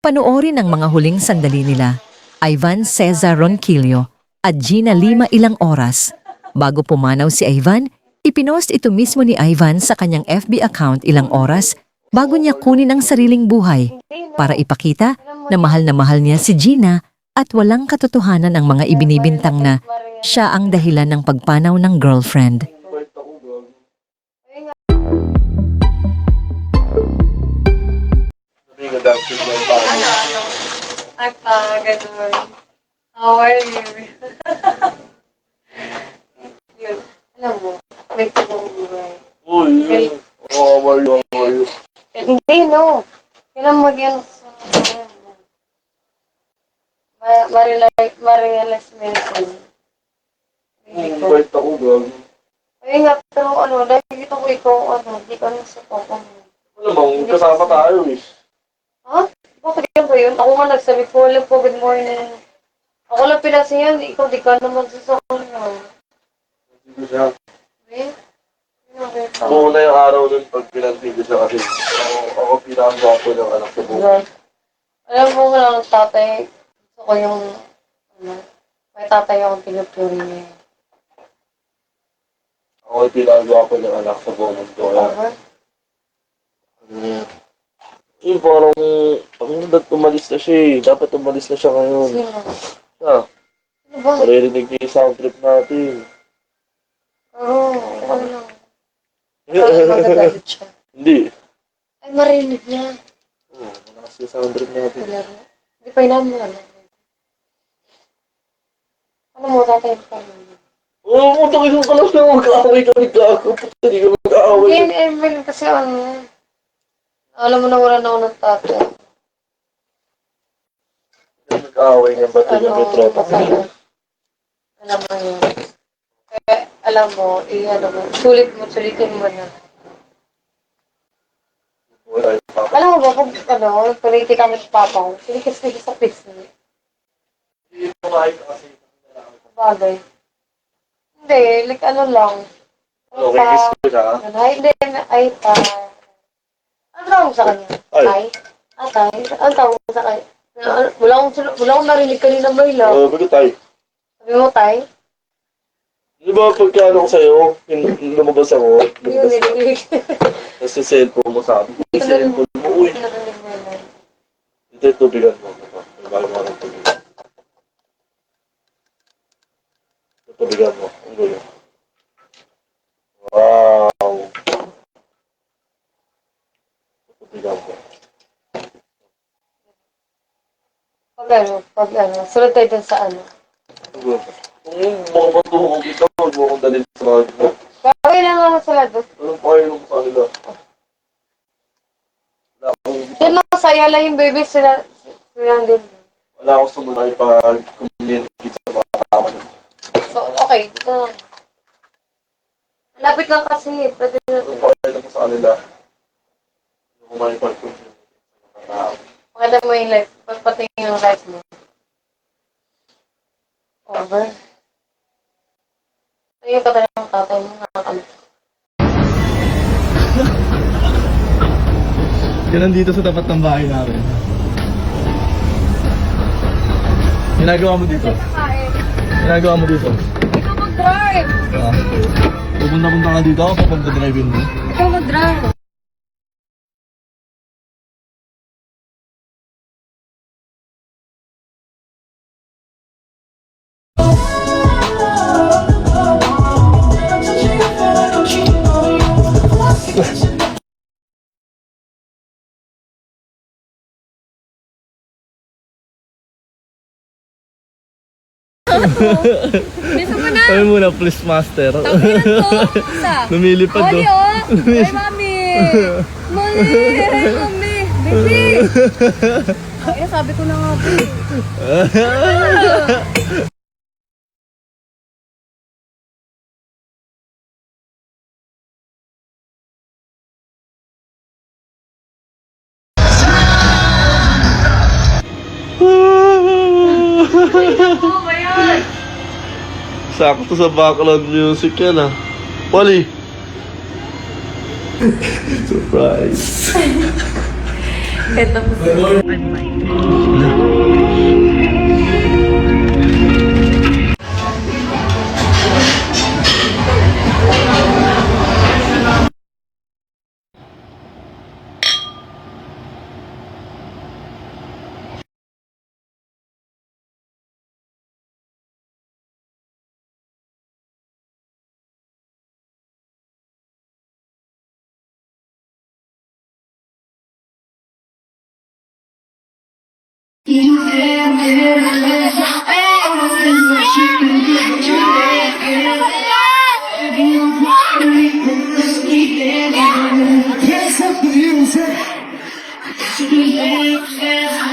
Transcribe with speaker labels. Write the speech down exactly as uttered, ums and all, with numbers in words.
Speaker 1: Panoorin ang mga huling sandali nila, Ivan Cesar Ronquillo at Gina Lima ilang oras. Bago pumanaw si Ivan, ipinost ito mismo ni Ivan sa kanyang F B account ilang oras bago niya kunin ang sariling buhay para ipakita na mahal na mahal niya si Gina at walang katotohanan ang mga ibinibintang na siya ang dahilan ng pagpanaw ng girlfriend.
Speaker 2: Ata, ganun. How are you? Yun. Alam mo, may tubong buhay.
Speaker 3: Uy, how are you, how are you?
Speaker 2: Hindi, no. Kailan mag-yan sa Ma- Marirealize marirealize mo yun ko. Hindi ko.
Speaker 3: Bait ako, gag.
Speaker 2: Ay nga, pero ano, nakikita ko ikaw, ano, hindi ka nasa papa mo.
Speaker 3: Alam mo, kasama tayo eh.
Speaker 2: Ha? Bakit yan ba yun? Ako nga nagsabi ko, alam po, good morning. Ako lang pinasiyan, ikaw di ka naman sa kanya.
Speaker 3: Hindi ko siya.
Speaker 2: Eh? Okay.
Speaker 3: Ako na yung araw nun pag pinantigil siya kasi ako, ako pinakagwapo ng anak ko po.
Speaker 2: Alam mo nga lang, tatay, gusto ko yung, ano, may tatay akong pinupuri niya.
Speaker 3: Ako yung pinakagwapo ng anak sa buong mundo.
Speaker 2: Over?
Speaker 3: Hmm. Eh, parang, ang dapat umalis na siya eh. Dapat umalis na siya ngayon.
Speaker 2: Sino?
Speaker 3: Siya,
Speaker 2: Ano ba?
Speaker 3: maririnig niya yung sound trip natin.
Speaker 2: Oo, ano lang. Ay, magagalit siya.
Speaker 3: Hindi.
Speaker 2: Ay, marinig niya.
Speaker 3: Oo, malakas yung sound trip natin.
Speaker 2: Wala rin. Hindi pa inaam mo, ano. Ano mo, tatay pa rin.
Speaker 3: Oo, oh, takilong ka lang na mag-aaway kami gago. Puta, hindi ka mag-aaway.
Speaker 2: Hindi, Emil, kasi ano, alam mo na wala na ako ng tatay.
Speaker 3: Mag-aaway niya ba ito yung
Speaker 2: Ano,
Speaker 3: retropa?
Speaker 2: masaya. Alam mo yun. Kaya, alam mo, i-ano mo, sulit mo, sulitin mo na.
Speaker 3: Wala yung papa.
Speaker 2: Alam mo ba, kung ano, puliti kami sa papa ko, sinikis-nikis sa pisngi.
Speaker 3: Hindi kumain ka kasi.
Speaker 2: Bagay. Hindi, like ano lang.
Speaker 3: Ano, kay kiss ko siya?
Speaker 2: Ano, ay, hindi, ay, pa. Ano tawag mo sa kanya?
Speaker 3: Ay.
Speaker 2: Tay? Ah, tay? Ano tawag mo sa kanya? Ano, Wala akong, sul- wala akong narinig kanina may lang.
Speaker 3: Oo, bakit tayo?
Speaker 2: Sabi mo, tay?
Speaker 3: Di ba pagka ano ko sa'yo, yung lumabas ako,
Speaker 2: Hindi ko
Speaker 3: lumabas ka,
Speaker 2: narinig.
Speaker 3: tapos yung cellphone mo sabi, yung cellphone mo, uy,
Speaker 2: Narinig mo yun.
Speaker 3: ito yung tubigan mo. Ito, may bago mo ng tubigan. Yung tubigan mo, ang gulo. Wow! Yung tubigan mo.
Speaker 2: Pag ano, pag ano, sunod tayo dun sa ano.
Speaker 3: Ang gulo. Kung yung mga matuhong kita, huwag mo akong dalhin sa mga mo.
Speaker 2: Gawin lang naman sila doon.
Speaker 3: Anong pakainom sa kanila? Wala akong,
Speaker 2: Yun lang, saya lang yung baby sila. Sila din.
Speaker 3: wala akong sumunay pag community sa mga kasama niyo.
Speaker 2: So, okay. Ito. Lapit lang kasi. Pwede na.
Speaker 3: Anong pakainom sa kanila? Yung kumain pag-community sa mga tao.
Speaker 2: Maganda mo yung life. Pagpatingin yung life mo. Over. Ayun ka talaga ng tatay mo. Nakakamit.
Speaker 4: Yan nandito sa tapat ng bahay namin. Ginagawa mo dito? Ginagawa mo dito?
Speaker 2: Ikaw mag-drive!
Speaker 4: Ah. Pupunta-punta ka dito ako kapag drive-in mo.
Speaker 2: Ikaw mag-drive!
Speaker 5: Bisa mo na!
Speaker 4: Sabi muna, please master.
Speaker 5: Tanginan to! Isa!
Speaker 4: Lumilipad do.
Speaker 5: Oli oh! Ay, mami! Mami! Ay, mami! Baby! Ay, sabi ko na nga, baby.
Speaker 3: Sakto sa background music yan ah. Wally! Surprise!
Speaker 5: Ito po.
Speaker 6: Yes,